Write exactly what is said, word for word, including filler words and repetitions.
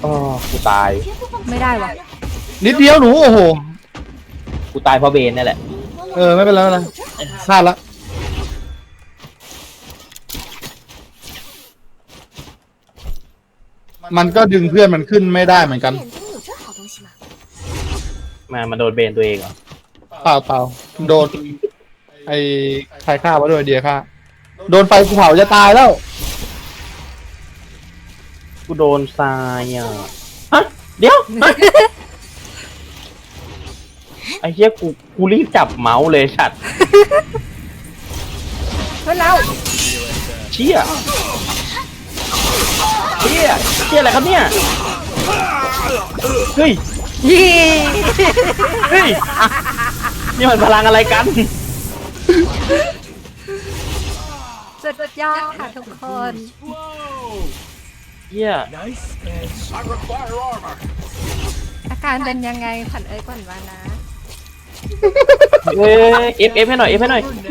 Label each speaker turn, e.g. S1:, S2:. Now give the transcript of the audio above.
S1: อ๋อกูตาย
S2: ไม่ได้วะ
S3: นิดเดียวหนูโอ้โห
S1: กูตายเพราะเบนนี่แหละ
S3: เออไม่เป็นไรไม่เป็นไรพลาดละมันก็ดึงเพื่อนมันขึ้นไม่ได้เหมือนกัน
S1: มามาโดนเบนตัวเองเหรอ
S3: เปล่าเปล่าโดนไอ้ใครฆ่าวะด้วยเดียฆ่าโดนไฟภูเขาจะตายแล้ว
S1: กูโดนทรายอ่ะฮะเดี๋ยวไอ้เหี้ยกูกูรีบจับเมาส์เลยชัด
S2: เพื่อนเรา
S1: เชี่ยเชี่ยเชี่ยอะไรครับเนี่ยเฮ้ย
S2: ยี่
S1: เฮ้ยนี่มันพลังอะไรกัน
S2: สุดยอดค่ะทุกคน
S1: เชี่ย
S2: อาการเป็นยังไงขวัญเอ้ยก่อนมานะ
S1: เอ้ยเอฟเอฟให้หน่อยเอฟให้หน่อย